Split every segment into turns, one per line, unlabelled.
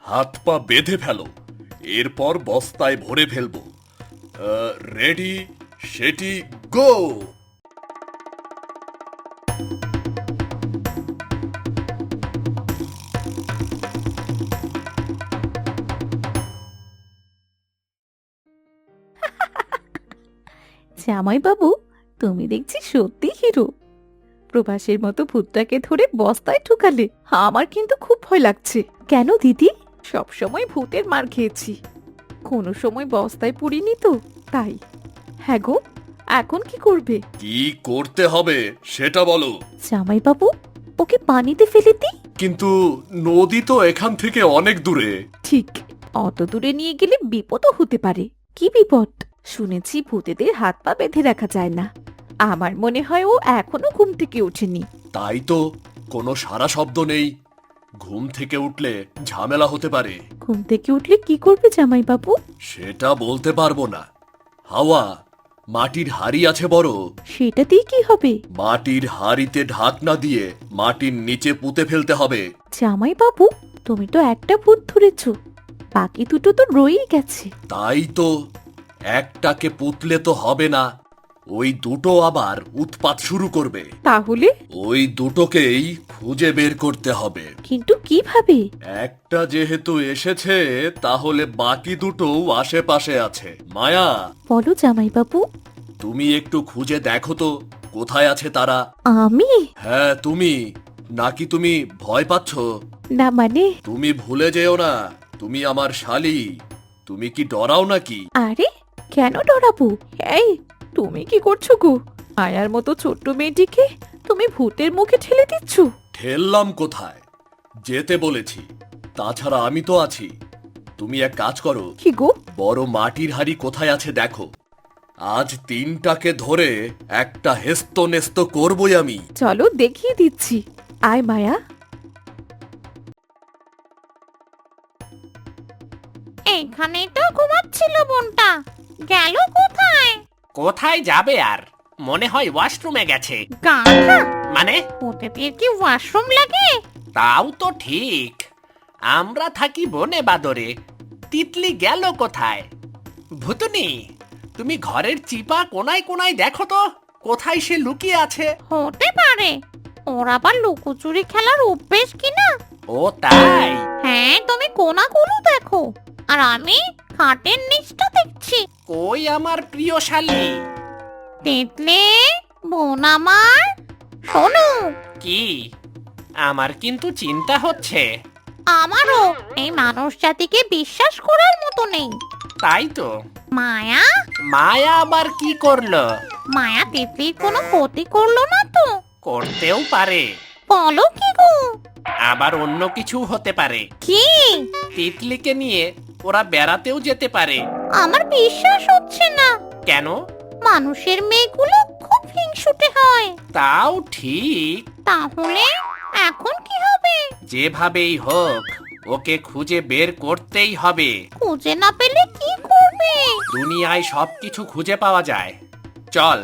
হাত পা বেঁধে ফেলো, এরপর বস্তায় ভরে ফেলবো। রেডি, সেটি, গো।
জামাই বাবু, তুমি দেখছি সত্যি হিরো। প্রভাসের মতো ভূতটাকে ধরে বস্তায় ঢুকালে। আমার কিন্তু খুব ভয় লাগছে। কেন দিদি? সব সময় ভূতের মার খেয়েছি, কোনো সময় বস্তায় পুড়িনি তো, তাই। হ্যাঁ গো, এখন কি করবে?
কি করতে হবে সেটা বলো।
জামাই বাবু, ওকে পানিতে ফেলে দিই?
কিন্তু নদী তো এখান থেকে অনেক দূরে।
ঠিক, অত দূরে নিয়ে গেলে বিপদও হতে পারে। কি বিপদ? শুনেছি ভূতেদের হাত পা বেঁধে রাখা যায় না। আমার মনে হয় ও এখনো ঘুম থেকে ওঠেনি।
তাই তো, কোনো সারা শব্দ নেই। ঘুম থেকে উঠলে ঝামেলা হতে পারে।
ঘুম থেকে উঠলে কি করবে জামাই বাবু?
সেটা বলতে পারবো না। হাওয়া, মাটির হাড়ি আছে বড়।
সেটা দিয়ে কি হবে?
মাটির হাড়িতে ঢাকনা দিয়ে মাটির নিচে পুঁতে ফেলতে হবে।
জামাই বাবু, তুমি তো একটা ভূত ধরেছ, বাকি দুটো তো রয়েই গেছে।
তাই তো, একটাকে পুতলে তো হবে না, ওই দুটো আবার উৎপাত শুরু করবে।
তাহলে?
ওই দুটোকেই খুঁজে বের করতে হবে।
কিন্তু কিভাবে?
একটা যেহেতু এসেছে, তাহলে বাকি দুটোও আশেপাশে আছে। মায়া,
বলো জামাই বাবু।
তুমি একটু খুঁজে দেখো তো কোথায় আছে তারা।
আমি?
হ্যাঁ তুমি। নাকি তুমি ভয় পাচ্ছ?
না মানে?
তুমি ভুলে যেও না, তুমি আমার শালি। তুমি কি ডরাও নাকি?
আরে, কেন ডরাবো? এই, তুমি কি করছো গো? আয়ার মতো ছোট্ট মেয়েটিকে তুমি ভূতের মুখে ঠেলে দিচ্ছ।
ঠেললাম কোথায়? যেতে বলেছি। তাছাড়া আমি তো আছি। তুমি এক কাজ করো,
কি গো?
বড় মাটির হাড়ি কোথায় আছে দেখো। আজ তিনটাকে ধরে একটা হেস্ত নেস্ত করবই আমি।
চলো দেখিয়ে দিচ্ছি। আয় মায়া।
এইখানেই তো ঘুমাচ্ছিল বোনটা, গেল কোথায়?
কোথায় যাবে আর? মনে হয় ওয়াশরুমে গেছে।
গাধা,
মানে?
ওদের কি ওয়াশরুম লাগে?
তাও তো ঠিক। আমরা থাকি বনে বাদরে, তিতলি গেল কোথায়? ভুতুনি, তুমি ঘরের চিপা কোনায় কোনায় দেখো তো, কোথায় সে লুকিয়ে আছে।
হতে পারে ওর আবার লুকোচুরি খেলার অভ্যেস কিনা।
ও তাই?
হ্যাঁ, তুমি কোনাগুলো দেখো আর আমি খাটের নিচটা দেখছি।
কই আমার প্রিয় শালী?
তিতলি, বোন আমার, শোনো।
কি? আমার কিন্তু চিন্তা হচ্ছে।
আমারও এই মানুষ জাতিকে বিশ্বাস করার মতো নেই।
তাই তো।
মায়া,
মায়া আবার কি করলো?
মায়া তিতলির কোনো ক্ষতি করলো না তো?
করতেও পারে,
বলো কি গো?
আবার অন্য কিছু হতে পারে।
কি?
তিতলিকে নিয়ে ওরা বেড়াতেও যেতে পারে।
আমার বিশ্বাস হচ্ছে না।
কেন?
মানুষের মেয়েগুলো খুব হিংসুটে হয়।
তাও ঠিক।
তাহলে এখন কি হবে?
যেভাবেই হোক ওকে খুঁজে বের করতেই হবে।
খুঁজে না পেলে কি করবে?
দুনিয়ায় সবকিছু খুঁজে পাওয়া যায়, চল।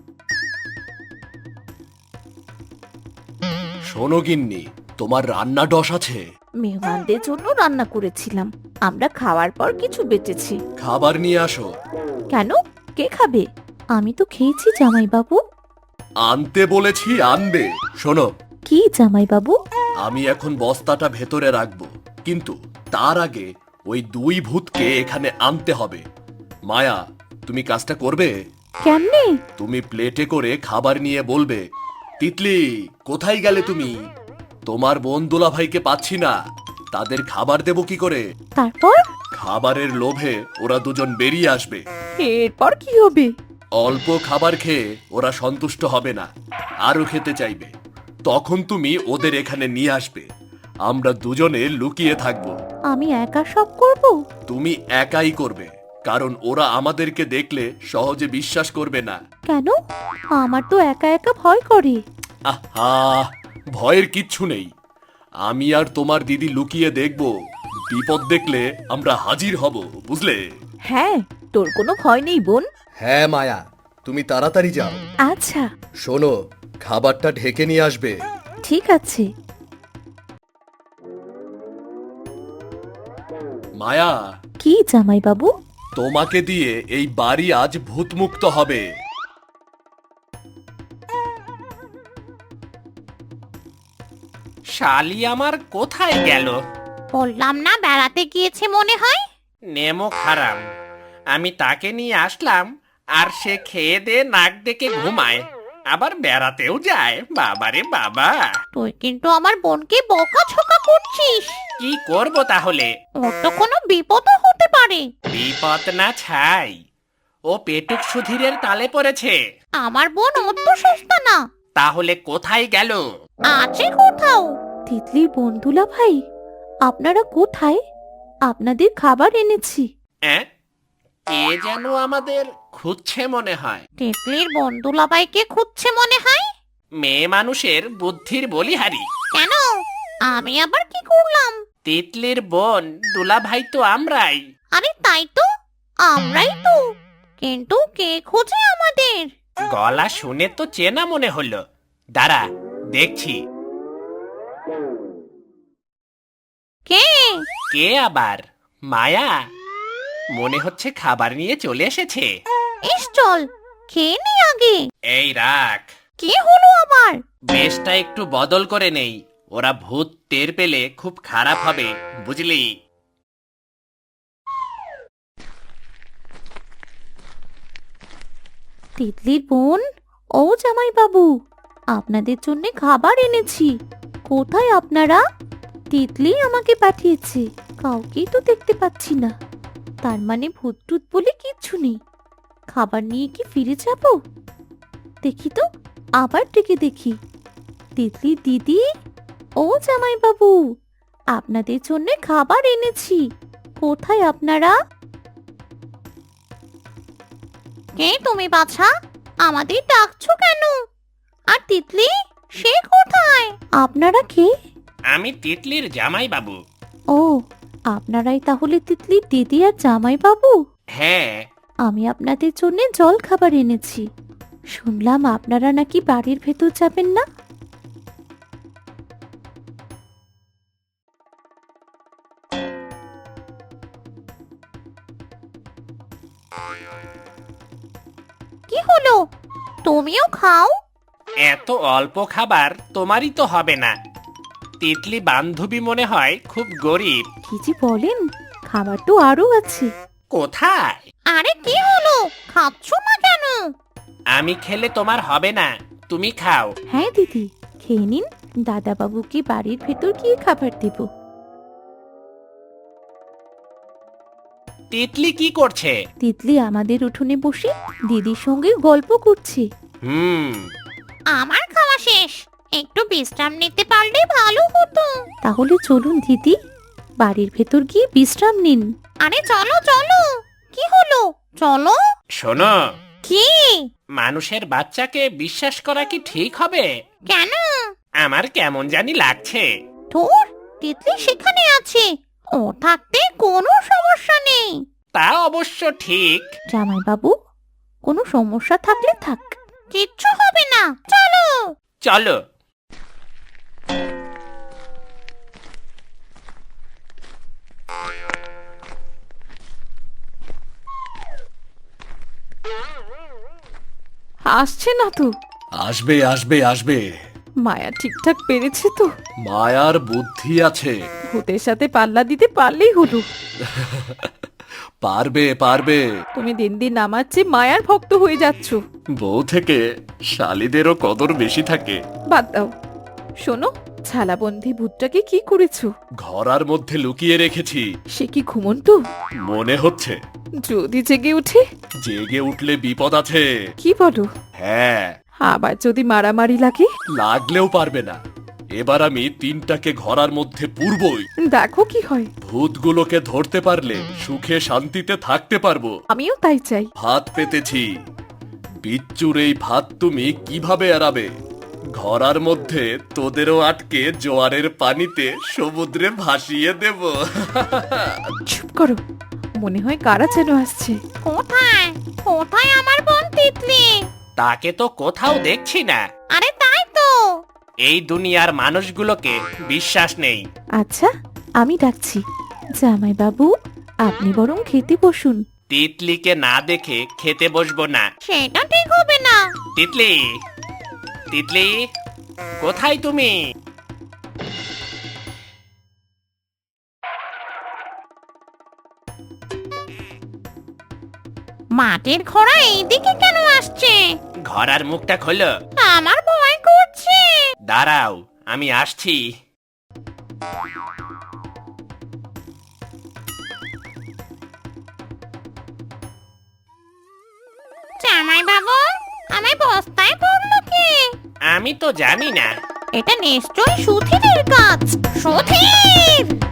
শোনো গিন্নি, তোমার রান্না ডস আছে?
মেহমানদের জন্য রান্না করেছিলাম, আমরা খাওয়ার পর কিছু বেঁচেছি।
খাবার নিয়ে আসো।
কেন? কে খাবে? আমি তো খেয়েছি জামাই বাবু।
আনতে বলেছি, আনবে। শোনো,
কি জামাই বাবু?
আমি এখন বস্তাটা ভেতরে রাখবো, কিন্তু তার আগে ওই দুই ভূতকে এখানে আনতে হবে। মায়া, তুমি কাজটা করবে?
কেমনে?
তুমি প্লেটে করে খাবার নিয়ে বলবে, তিতলি কোথায় গেলে তুমি? তোমার বোন দুলা ভাইকে পাচ্ছি না, তাদের খাবার দেব কি করে?
তারপর?
খাবারের লোভে ওরা দুজন বেরিয়ে আসবে।
এরপর কি হবে?
অল্প খাবার খেয়ে ওরা সন্তুষ্ট হবে না, আরো খেতে চাইবে। তখন তুমি ওদের এখানে নিয়ে আসবে, আমরা দুজনে লুকিয়ে থাকবো।
আমি একা সব করব?
তুমি একাই করবে, কারণ ওরা আমাদেরকে দেখলে সহজে বিশ্বাস করবে না।
কেন? আমার তো একা একা ভয় করে।
আহা, ভয়ের কিচ্ছু নেই। আমি আর তোমার দিদি লুকিয়ে দেখব, বিপদ দেখলে আমরা হাজির হব, বুঝলে?
হ্যাঁ, তোর কোনো ভয় নেই বোন।
হ্যাঁ মায়া, তুমি তাড়াতাড়ি যাও।
আচ্ছা,
শোনো, খাবারটা ঢেকে নিয়ে আসবে।
ঠিক আছে।
মায়া,
কি জামাইবাবু?
তোমাকে দিয়ে এই বাড়ি আজ ভূতমুক্ত হবে।
শালি আমার কোথায় গেল?
বললাম না বেড়াতে গিয়েছে মনে হয়।
নেমো খারাপ। আমি তাকে নিয়ে আসলাম আর সে খেয়ে দে নাক ডেকে ঘুমায়, আবার বেড়াতেও যায়। বাবারে বাবা,
তুই কিন্তু আমার বোনকে বকাঝকা করছিস।
কি করব তাহলে?
ওর তো কোনো বিপদও হতে পারে।
বিপদ না ছাই, ও পেটুক সুধীরের তালে পড়েছে।
আমার বোন অত সস্তা না।
তাহলে কোথায় গেল?
আছে কোথাও।
তিতলির বন্ধুলা ভাই, আপনারা কোথায়? আপনাদের খাবার এনেছি।
অ্যাঁ? কে যেন আমাদের খুঁজছে মনে হয়।
তিতলির বোন দুলাভাইকে খুঁজছে মনে হয়।
মেয়ে মানুষের বুদ্ধির বলিহারি।
কেন? আমি আবার কি করলাম?
তিতলির বোন দুলাভাই তো আমরাই।
আরে তাই তো, আমরাই তো। কিন্তু কে খোঁজে আমাদের?
গলা শুনে তো চেনা মনে হলো। দাঁড়া, দেখছি।
কে?
কে আবার? মায়া? মনে হচ্ছে খাবার নিয়ে চলে এসেছে।
ইস চল, খেয়ে নি আগে।
এই রাখ,
কি হলো আবার?
বেশটা একটু বদল করে নেই। ওরা ভূত টের পেলে খুব খারাপ হবে, বুঝলি?
তিতলির বোন, ও জামাইবাবু, আপনাদের জন্য খাবার এনেছি। কোথায় আপনারা? তিতলি আমাকে পাঠিয়েছে, কাউকেই তো দেখতে পাচ্ছি না। তার মানে ভূত টুত বলে কিচ্ছু নেই। খাবার নিয়ে কি ফিরে যাব? দেখি তো, আবার ডেকে দেখি। তিতলি দিদি, ও জামাইবাবু, আপনাদের জন্য খাবার এনেছি। কোথায় আপনারা?
কে তুমি বাছা? আমাদের ডাকছো কেন? আর তিতলি, সে কোথায়?
আপনারা কে?
আমি তিতলির জামাই বাবু।
ও, আপনারাই তাহলে তিতলির দিদি আর জামাইবাবু?
হ্যাঁ,
আমি আপনাদের জন্য জল খাবার এনেছি। শুনলাম আপনারা নাকি বাড়ির ভেতর যাবেন না।
কি হলো? তুমিও খাও।
এত অল্প খাবার তোমারই তো হবে না। তিতলি বান্ধবী মনে হয় খুব গরিব।
কি যে বলেন, খাবার তো আরো আছে।
কোথায়?
আরে কি হলো? খাচ্ছ না কেন?
আমি খেলে তোমার হবে না, তুমি খাও।
হ্যাঁ দিদি, খেয়ে নিন। দাদাবাবুকে বাড়ির ভেতর গিয়ে খাবার দেব।
তিতলি কি করছে?
তিতলি আমাদের উঠোনে বসে দিদির সঙ্গে গল্প করছে।
হুম,
আমার খাওয়া শেষ। একটু বিশ্রাম নিতে পারলে ভালো হতো।
তাহলে চলুন দিদি, বাড়ির ভেতর গিয়ে বিশ্রাম নিন।
আরে চলো চলো। কি হলো? চলো।
শোনো,
কি?
মানুষের বাচ্চাকে বিশ্বাস করা কি ঠিক হবে?
কেন?
আমার কেমন জানি লাগছে।
তোর তিতলি সেখানে আছে, ও থাকতে কোনো সমস্যা নেই।
তা অবশ্য ঠিক।
জামাইবাবু, কোনো সমস্যা থাকলে থাক।
কিচ্ছু হবে না, চলো।
চলো।
আসছে না তো?
আসবে আসবে আসবে।
মায়া ঠিকঠাক পেরেছে তো?
মায়ার বুদ্ধি আছে।
ভূতের সাথে পাল্লা দিতে পারলেই হলো।
পারবে পারবে।
তুমি দিন দিন আমার চেয়ে মায়ার ভক্ত হয়ে যাচ্ছ।
বউ থেকে শালিদেরও কদর বেশি থাকে।
বাদ দাও। শোনো, ছালাবন্ধি ভূতটাকে কি করেছো?
ঘরার মধ্যে লুকিয়ে রেখেছি।
সে কি ঘুমন্ত?
মনে হচ্ছে।
যদি জেগে উঠে?
জেগে উঠলে বিপদ আছে।
কি বলো?
হ্যাঁ,
আবার যদি মারামারি লাগে?
লাগলেও পারবে না। এবার আমি তিনটাকে ঘরার মধ্যে পুরবই।
দেখো কি হয়।
ভূতগুলোকে ধরতে পারলে সুখে শান্তিতে থাকতে পারবো।
আমিও তাই চাই।
ভাত পেতেছি। বিচ্চুর এই ভাত তুমি কিভাবে এড়াবে? ঘরার মধ্যে তোদেরও আটকে জোয়ারের পানিতে সমুদ্রে ভাসিয়ে দেব।
চুপ করো, মনে হয় কারা যেন আসছে।
কোথায়? কোথায় আমার বোন তিতলি?
তাকে তো কোথাও দেখছি না।
আরে তাই তো।
এই দুনিয়ার মানুষগুলোকে বিশ্বাস নেই।
আচ্ছা, আমি ডাকছি। জামাইবাবু, আপনি বরং খেতে বসুন।
তিতলিকে না দেখে খেতে বসবো না।
সেটা ঠিক হবে না।
তিতলি, তিতলি, কোথায় তুমি?
মাটির ঘোড়া এইদিকে কেন আসছে?
ঘোড়ার মুখটা খোলো।
আমার ভয় করছে।
দাঁড়াও, আমি আসছি।
জামাই বাবু, আমায় বস্তায় পড়লো কে?
আমি তো জানি না।
এটা নিশ্চয়ই সুধীরের কাজ। সুধীর!